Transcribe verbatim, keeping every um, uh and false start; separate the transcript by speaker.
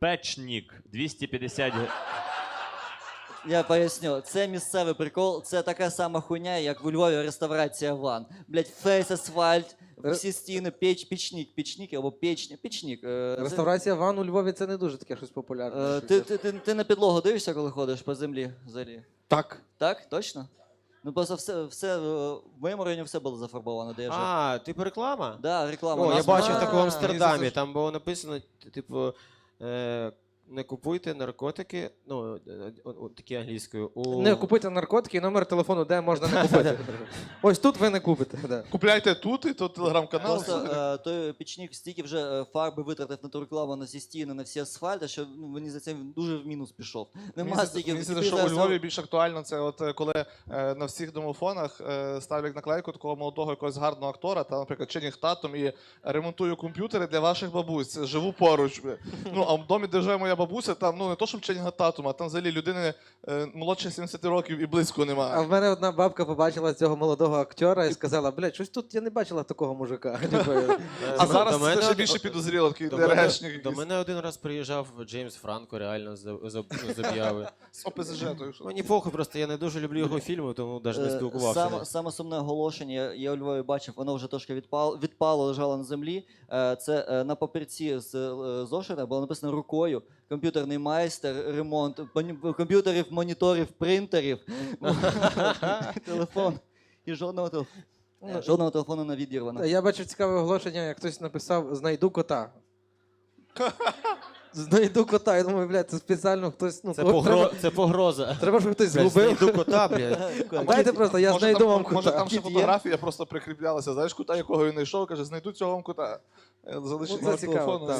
Speaker 1: Печнік. двісті п'ятдесят гривень.
Speaker 2: Я поясню, це місцевий прикол, це така сама хуйня, як у Львові реставрація ван. Блять, фейс, асфальт, всі стіни, печ, пічник, пічник або печня, пічник. Е,
Speaker 3: Реставрація ван у Львові це не дуже таке щось популярне.
Speaker 2: Е, ти, ти, ти, ти на підлогу дивишся, коли ходиш по землі взагалі?
Speaker 3: Так.
Speaker 2: Так, точно? Ну просто все, все, в моєму районі все було зафарбовано, де я жив.
Speaker 4: А, типу реклама?
Speaker 2: Да, реклама.
Speaker 4: О, я
Speaker 2: Нас-
Speaker 4: бачив
Speaker 2: А,
Speaker 4: таку в
Speaker 3: мені
Speaker 4: Амстердамі,
Speaker 3: здається,
Speaker 4: там було написано, типу, е, не купуйте наркотики, ну, е, о- о, такі англійською. У...
Speaker 3: Не купуйте наркотики і номер телефону, де можна не купити. Ось тут ви не купите. Да.
Speaker 5: Купляйте тут, і тут телеграм-канал.
Speaker 2: Просто е, той пічник стільки вже е, фарби витратив на ту рекламу, на всі стіни, на всі асфальти, що ну, мені за це дуже в мінус пішов. Нема
Speaker 5: Мені
Speaker 2: стільки.
Speaker 5: здається,
Speaker 2: тепер
Speaker 5: що у
Speaker 2: зараз-
Speaker 5: Львові більш актуально це, от е, коли е, на всіх домофонах е, ставлять наклейку такого молодого якогось гарного актора, там, наприклад, Ченнінг Татум, і ремонтую комп'ютери для ваших бабусь. Живу поруч. Ну, а в домі, де живе моя бабуся, там ну не то, щоб Ченнінга Татума, а там взагалі людини е, молодше сімдесят років і близько
Speaker 3: А
Speaker 5: немає.
Speaker 3: в мене одна бабка побачила цього молодого актора і сказала, блядь, щось тут я не бачила такого мужика. Типу,
Speaker 5: А
Speaker 4: До
Speaker 5: зараз
Speaker 4: мене
Speaker 5: це ще
Speaker 4: од-
Speaker 5: більше підозріло, такий
Speaker 4: До мене,
Speaker 5: ДРГшник
Speaker 4: до
Speaker 5: якийсь.
Speaker 4: мене один раз приїжджав Джеймс Франко, реально з, з, з об'яви.
Speaker 5: З ОПЗЖ, то що.
Speaker 4: Мені похуй, просто я не дуже люблю його фільми, тому навіть не
Speaker 2: Е,
Speaker 4: спілкувався.
Speaker 2: Саме, саме сумне оголошення, я, я у Львові бачив, воно вже трошки відпало, відпало, лежало на землі. Е, Це е, на папірці з е, зошита було написано рукою. Комп'ютерний майстер, ремонт моні- комп'ютерів, моніторів, принтерів, телефон. І жодного, телеф-
Speaker 3: Ну,
Speaker 2: жодного телефону не відірвано.
Speaker 3: Я бачив цікаве оголошення, як хтось написав «Знайду кота». Знайду кота. Я думаю, блядь, це спеціально хтось. Ну,
Speaker 4: Це,
Speaker 3: кого-
Speaker 4: погро...
Speaker 3: треба,
Speaker 4: це погроза.
Speaker 3: треба, щоб хтось
Speaker 4: Блядь,
Speaker 3: згубив.
Speaker 4: знайду кота, блядь.
Speaker 3: А дайте просто, я
Speaker 5: Може,
Speaker 3: знайду
Speaker 5: там,
Speaker 3: вам
Speaker 5: може
Speaker 3: кота.
Speaker 5: там ще
Speaker 2: Кіт є?
Speaker 5: фотографія просто прикріплялася, знаєш, кута, якого він знайшов, каже, знайду цього вам кота. Е, Залишить
Speaker 3: Ну, це
Speaker 5: номер
Speaker 3: цікаво,
Speaker 5: телефону.
Speaker 3: так.